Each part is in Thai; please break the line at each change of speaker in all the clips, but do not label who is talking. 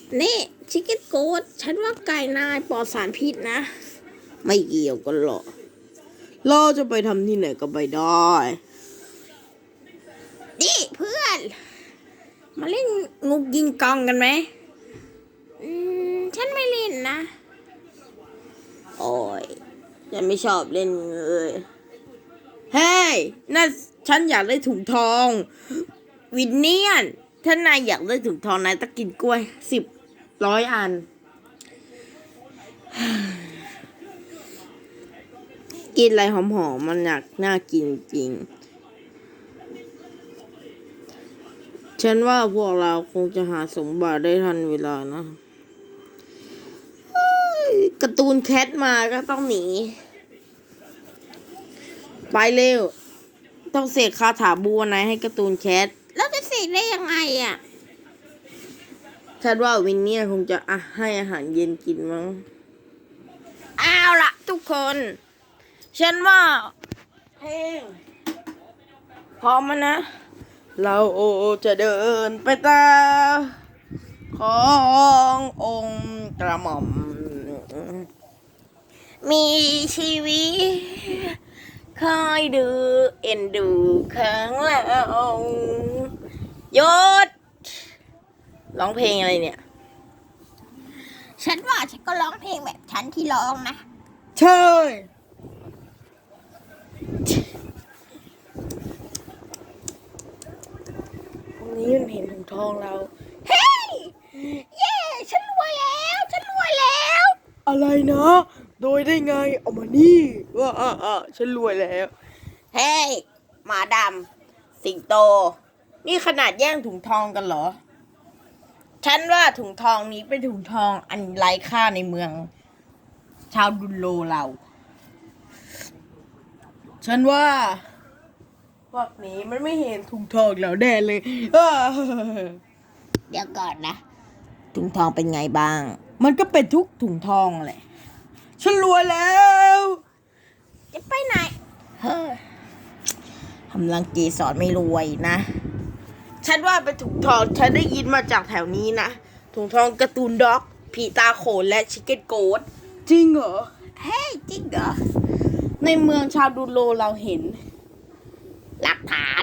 นี่ชิคเก้นโกดฉันว่าไก่นายปลอดสารพิษนะ ไม่เกี่ยวกันหรอกเราจะไปทำที่ไหนก็ไปได้นี่เพื่อนมาเล่นงูยิงกองกันไหมฉันไม่เล่นนะโอ้ยฉันไม่ชอบเล่นเลยเฮ้ยนั่นฉันอยากได้ถุงทองวินเนียนถ้านายอยากได้ถุงทองนายต้องกินกล้วย100 อันกินอะไรหอมๆมันน่ากินจริงฉันว่าพวกเราคงจะหาสมบัติได้ทันเวลานะการ์ตูนแคทมาก็ต้องหนีไปเร็วต้องเสกคาถาบัวนายให้การ์ตูนแคทแล้วจะเสกได้ยังไงอ่ะฉันว่าวินเนี่ยคงจะให้อาหารเย็นกินมั้งเอาล่ะทุกคนฉันว่าเพลงพร้อมมั้ยนะเราจะเดินไปตามขององค์กระหม่อมมีชีวิตคอยดูเอ็นดูข้างหลังหยุดร้องเพลงอะไรเนี่ยฉันว่าฉันก็ร้องเพลงแบบฉันที่ร้องนะใช่ตรงนี้มันเห็นถุงทองเราเฮ้ยเย้ฉันรวยแล้วอะไรนะโดยได้ไงเอามานี่ว่าฉันรวยแล้วเฮ้ยหมาดำสิงโตนี่ขนาดแย่งถุงทองกันเหรอฉันว่าถุงทองนี้เป็นถุงทองอันไร้ค่าในเมืองชาวดุลโลเราฉันว่าพวกนี้มันไม่เห็นถุงทองแล้วแน่เลยเดี๋ยวก่อนนะถุงทองเป็นไงบ้างมันก็เป็นทุกถุงทองแหละฉันรวยแล้วจะไปไหนทำรังกีสอนไม่รวยนะฉันว่าเป็นถุงทองฉันได้ยินมาจากแถวนี้นะถุงทองการ์ตูนด็อกผีตาโขนและชิคเก้นโกดจริงเหรอเฮ้ยจริงเหรอในเมืองชาวดูโลเราเห็นหลักฐาน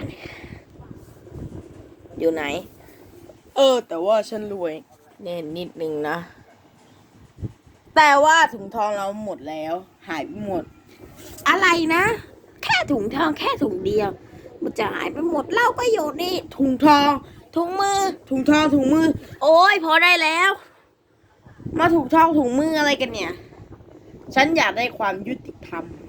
อยู่ไหนแต่ว่าฉันรวยเน่นิดนึงนะแต่ว่าถุงทองเราหมดแล้วหายไปหมดอะไรนะแค่ถุงทองแค่ถุงเดียวมันจะหายไปหมดเล่าก็อยู่นี่ถุงทองถุงมือถุงทองถุงมือโอ้ยพอได้แล้วมาถุงทองถุงมืออะไรกันเนี่ยฉันอยากได้ความยุติธรรม